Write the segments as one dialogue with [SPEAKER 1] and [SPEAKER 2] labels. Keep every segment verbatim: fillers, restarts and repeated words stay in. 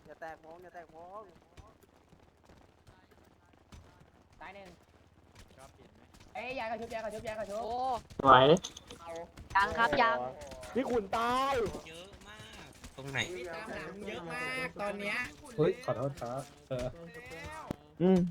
[SPEAKER 1] อย่าแตกวงอย่าแตกวงตายหนึ่งเอ้ยยากระชุบยากระชุบยากระชุบโอ้
[SPEAKER 2] ไหว
[SPEAKER 3] ยังครับยัง
[SPEAKER 2] พี่ขุนตาย
[SPEAKER 4] เยอะมากตรงไหน
[SPEAKER 1] ตามหลังเยอะมากตอนเนี้ย
[SPEAKER 2] เฮ้ยขอโทษครับเอออืม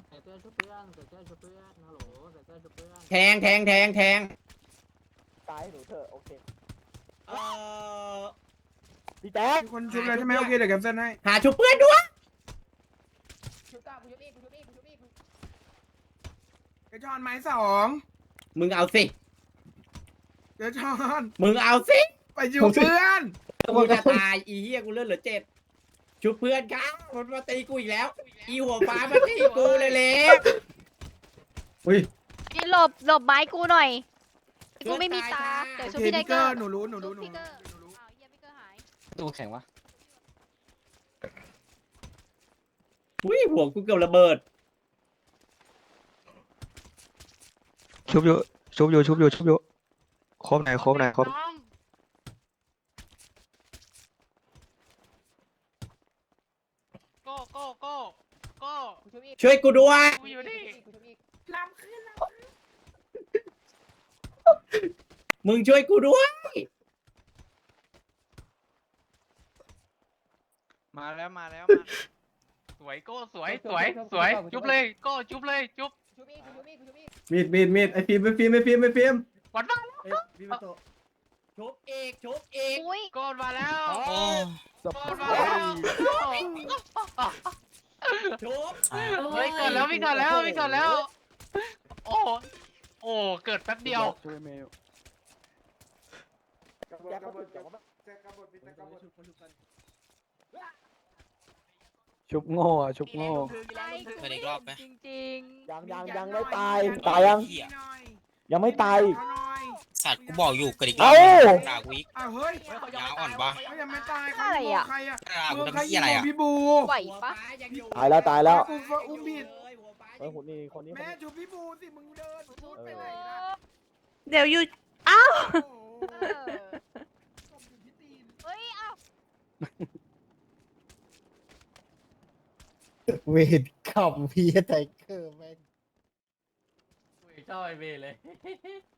[SPEAKER 1] แทงแทงแทงแทง
[SPEAKER 2] ตายหนูเถอะโอเค
[SPEAKER 1] เออ
[SPEAKER 2] พี่แจ๊ค
[SPEAKER 5] มีคนชุบเลยใช่ไหมโอเคเดี๋ยวแคปเซิลให้
[SPEAKER 1] หาชุบเพื่อนด้วยชุบต่อกูชุบอีกกูชุบอีกกูชุบอีก
[SPEAKER 5] เดี๋ยวชอนไม้สอง
[SPEAKER 1] มึงเอาสิ
[SPEAKER 5] เดี๋ยวชอน
[SPEAKER 1] มึงเอาสิ
[SPEAKER 5] ไปชุบเพื่อน
[SPEAKER 1] กูจะตายอีเหี้ยกูเลือดเหลือเจ็ดชุบเพื่อนครับมันมาตีกูอีกแล้ว อีหัวฟ้ามาตีกูเลยเล็ก
[SPEAKER 2] อุ้ย
[SPEAKER 3] พี่หลบหลบไม้กูหน่อยกูไม่มีตาเดี๋ยว
[SPEAKER 5] โอ
[SPEAKER 3] ชุบ
[SPEAKER 5] เค
[SPEAKER 3] พี่ได
[SPEAKER 5] พี่
[SPEAKER 3] เก
[SPEAKER 5] เก
[SPEAKER 3] อ
[SPEAKER 5] อ
[SPEAKER 3] ร์
[SPEAKER 5] ร์หนูรู้หนูรู้หนู
[SPEAKER 3] พี่เกอร์
[SPEAKER 5] หนูรู้
[SPEAKER 3] อ้าวเหี้ยพี่เกอร์หาย
[SPEAKER 4] ตู้แข็งวะ
[SPEAKER 1] อุ้ยหัวกูเกือบระเบิด
[SPEAKER 6] ชุบอยู่ชุบอยู่ชุบอยู่ชุบอยู่ครบไหนครบไหนครบ
[SPEAKER 4] โก้โก้โก้โก้
[SPEAKER 1] ช่วยกูด้วย
[SPEAKER 4] กูอยู่นี่
[SPEAKER 5] ลำขึ้นล
[SPEAKER 1] มึงช่วยกูด้วย
[SPEAKER 4] มาแล้วมาแล้วมาสวยโก้สวยสวยสวยจุบเลยโก้จุบเลยจุบ
[SPEAKER 2] มีดมีดมีดไอฟิล์มไอฟิล์มไอฟิล์มไอฟิล์ม
[SPEAKER 4] วัดบ้า
[SPEAKER 2] ไอฟิล์มมาโต
[SPEAKER 1] ชุบอีกชุบอีก
[SPEAKER 3] อุ้ย
[SPEAKER 4] โก้มาแล้วโอ้
[SPEAKER 2] ส
[SPEAKER 4] โก้
[SPEAKER 2] ปอ
[SPEAKER 4] มาแล้ว
[SPEAKER 1] ชุบ
[SPEAKER 4] เฮ้ยเกิดแล้ววิ่งก่อนแล้ววิ่งก่อนแล้วโอ้โอ้เกิดแป๊บเดียว
[SPEAKER 2] ช่วยเมล
[SPEAKER 5] ำแจ็คกระบดแจ็คกระบดพี่แจ็คกระบด
[SPEAKER 2] ชุบโง่อะชุบโง่
[SPEAKER 3] ไล่กูไม่เห็นจริง
[SPEAKER 2] ยังยังยังไม่ตายตายยังยังไม่ตาย
[SPEAKER 5] เอาหน่อย
[SPEAKER 4] สัตว์กูบอกอยู่กระดิก
[SPEAKER 2] เอ้า
[SPEAKER 4] ด่ากูอีก
[SPEAKER 5] อ้าวเฮ้ย
[SPEAKER 4] ยาอ่อนปะ
[SPEAKER 5] เขายังไม่ตายเขา
[SPEAKER 3] อะไร
[SPEAKER 5] ยิง
[SPEAKER 3] อ่ะ
[SPEAKER 5] ใครอ่ะ
[SPEAKER 4] ด่ากู
[SPEAKER 5] เมือง
[SPEAKER 4] ทำ
[SPEAKER 5] ใครยิ
[SPEAKER 4] เหี้ย
[SPEAKER 5] ง
[SPEAKER 4] อะไร
[SPEAKER 5] ของ
[SPEAKER 4] อ่ะ
[SPEAKER 5] พี่บู
[SPEAKER 3] ไหวปะ
[SPEAKER 2] ตายแล้วตายแล้ว
[SPEAKER 5] กูอุ้มผิด
[SPEAKER 2] เฮ้ยคนนี้คนนี้คน
[SPEAKER 5] แม่
[SPEAKER 2] นี้
[SPEAKER 5] ชูพี่บูสิมึงเดินพูดไปไหนล่ะ
[SPEAKER 3] เดี๋ยวอยู่อ้าว
[SPEAKER 5] โอ้โหตบอยู่ที่ตีน
[SPEAKER 3] เฮ้ยเอ้า
[SPEAKER 2] เวทขับพีไทเกอร์แม่ง
[SPEAKER 4] ชอบไอเบเลย